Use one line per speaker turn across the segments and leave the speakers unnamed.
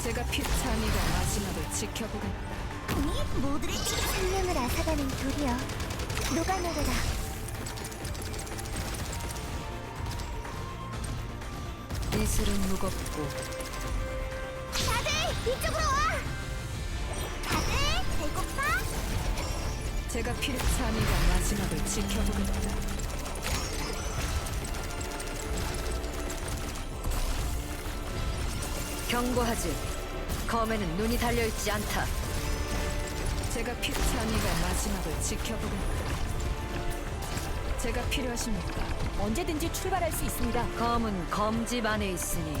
제가 피차니가 마지막을 지켜보겠다.
아니, 모두를 생명을 앗아가는 돌이여, 녹아내려라.
이슬은 무겁고
다들 이쪽으로 와! 다들 배고파?
제가 피차니가 마지막을 지켜보겠다.
경고하지. 검에는 눈이 달려있지 않다.
제가 피차니가 마지막을 지켜보겠다. 제가 필요하십니까?
언제든지 출발할 수 있습니다.
검은 검집 안에 있으니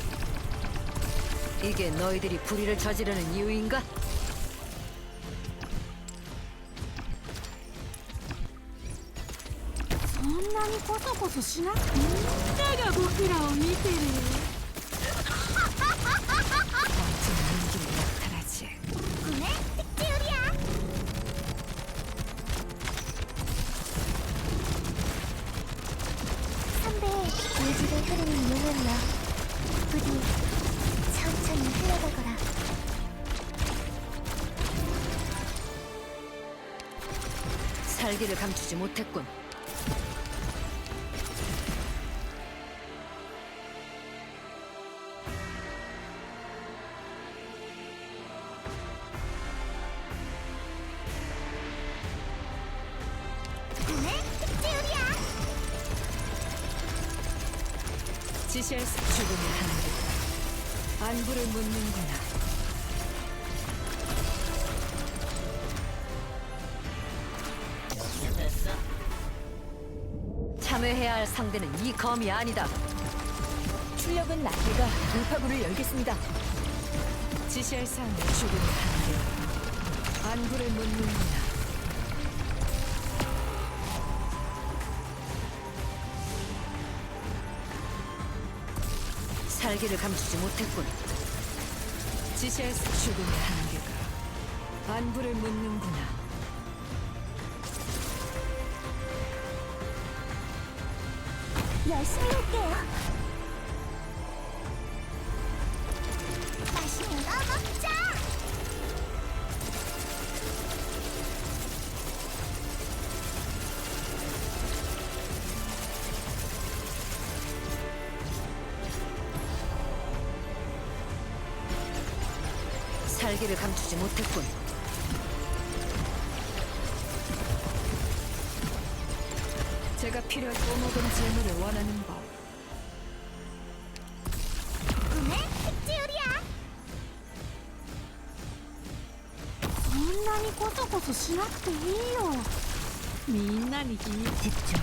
이게 너희들이 불의를 저지르는 이유인가?
そんなにコソコソしなくてみんなが僕らを見てる。
멋진 연기를 나타나지.
꿈의 특지요리야. 선배, 이 집에 흐르는 용은요, 부디 천천히 흘러가거라.
살기를 감추지 못했군.
꿈의 특지요리야.
지시할 수 죽음의 한계가 안부를 묻는구나.
참여해야 할 상대는 이 검이 아니다.
출력은 낮게가 돌파구를 열겠습니다.
지시할 사항은 죽음의 한계가 안부를 묻는구나.
살기를 감추지 못했군.
지시할 수 죽음의 한계가 안부를 묻는구나.
열심히 할게요. 맛있는 거 먹자.
살기를 감추지 못했군.
제가 필요한 꼬먹은 재물을 원하는 법.
꿈의 특지요리야.
そんなにコソコソしなくていいよ。みんなに秘密집중。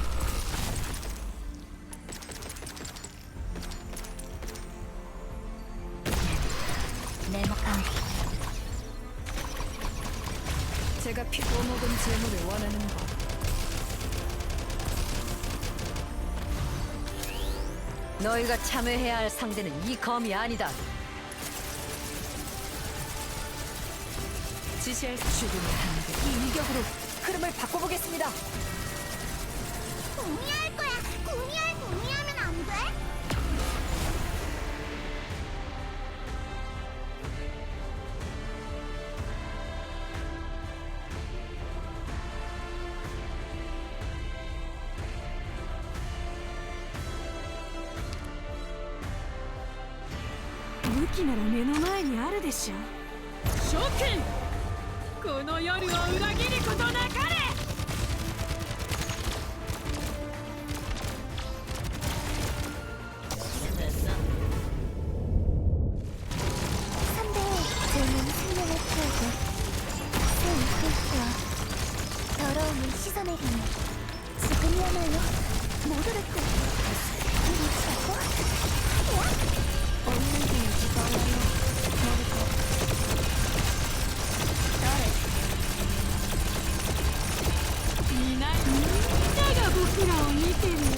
제가 꼬먹은 재물을 원하는 법.
너희가 참여해야 할 상대는 이 검이 아니다.
지시할 수 죽음의 한계.
이 일격으로 흐름을 바꿔보겠습니다.
공유할 거야. 공유하면 안 돼?
武器なら目の前にあるでしょ。諸君、この夜を裏切ることなかれ。
선배, 저는 생명을 태우고 새 이끌어 더러움을 씻어내리니 지금이야말로 모두를 이리치라고?
없는 게 죽어요.
みんなが僕らを見てる。